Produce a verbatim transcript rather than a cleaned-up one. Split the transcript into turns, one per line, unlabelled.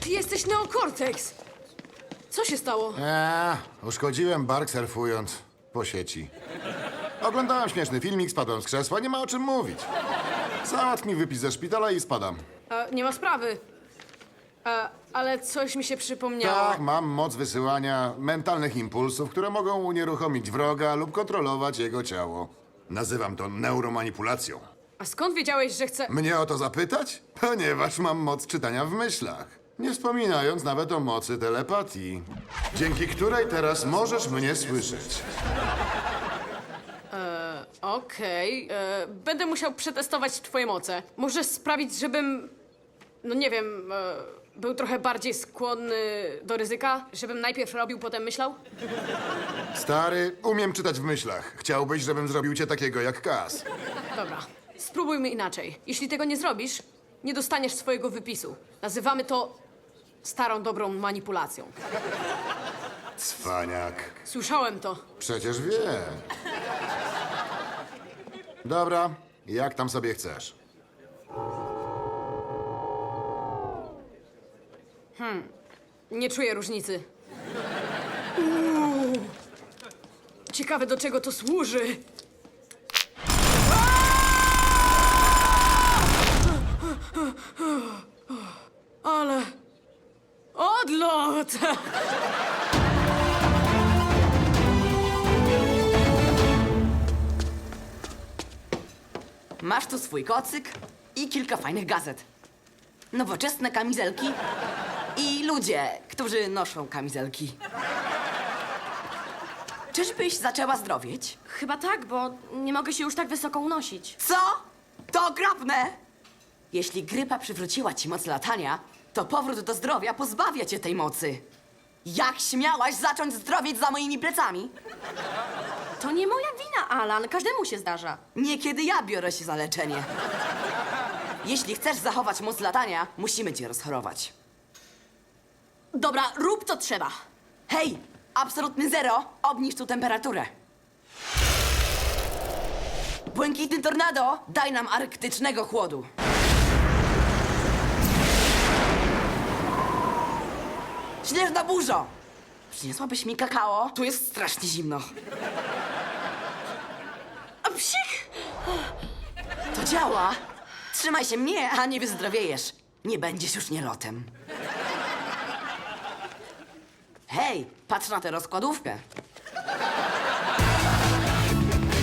Ty jesteś Neocortex! Co się stało?
Eee, uszkodziłem bark surfując po sieci. Oglądałem śmieszny filmik, spadłem z krzesła, nie ma o czym mówić. Załatw mi wypis ze szpitala i spadam.
E, nie ma sprawy. E, ale coś mi się przypomniało.
Tak, mam moc wysyłania mentalnych impulsów, które mogą unieruchomić wroga lub kontrolować jego ciało. Nazywam to neuromanipulacją.
A skąd wiedziałeś, że chcę...
Mnie o to zapytać? Ponieważ mam moc czytania w myślach. Nie wspominając nawet o mocy telepatii, dzięki której teraz możesz mnie słyszeć.
Okej, e, będę musiał przetestować twoje moce. Może sprawić, żebym... No nie wiem, e, był trochę bardziej skłonny do ryzyka? Żebym najpierw robił, potem myślał?
Stary, umiem czytać w myślach. Chciałbyś, żebym zrobił cię takiego jak Kas.
Dobra, spróbujmy inaczej. Jeśli tego nie zrobisz, nie dostaniesz swojego wypisu. Nazywamy to starą, dobrą manipulacją.
Cwaniak.
Słyszałem to.
Przecież wiem. Dobra, jak tam sobie chcesz.
Nie czuję różnicy. Uuu. Ciekawe, do czego to służy. Ale... Odlot!
Masz tu swój kocyk i kilka fajnych gazet. Nowoczesne kamizelki i ludzie, którzy noszą kamizelki. Czyżbyś zaczęła zdrowieć?
Chyba tak, bo nie mogę się już tak wysoko unosić.
Co? To okropne! Jeśli grypa przywróciła ci moc latania, to powrót do zdrowia pozbawia cię tej mocy. Jak śmiałaś zacząć zdrowieć za moimi plecami?
To nie moja wina, Alan. Każdemu się zdarza.
Niekiedy ja biorę się za leczenie. Jeśli chcesz zachować moc latania, musimy cię rozchorować.
Dobra, rób co trzeba.
Hej, absolutny zero, obniż tu temperaturę. Błękitny tornado, daj nam arktycznego chłodu. Śnieżna burzo! Przyniosłabyś mi kakao? Tu jest strasznie zimno.
A psik!
To działa. Trzymaj się mnie, a nie wyzdrowiejesz. Nie będziesz już nielotem. Hej, patrz na tę rozkładówkę.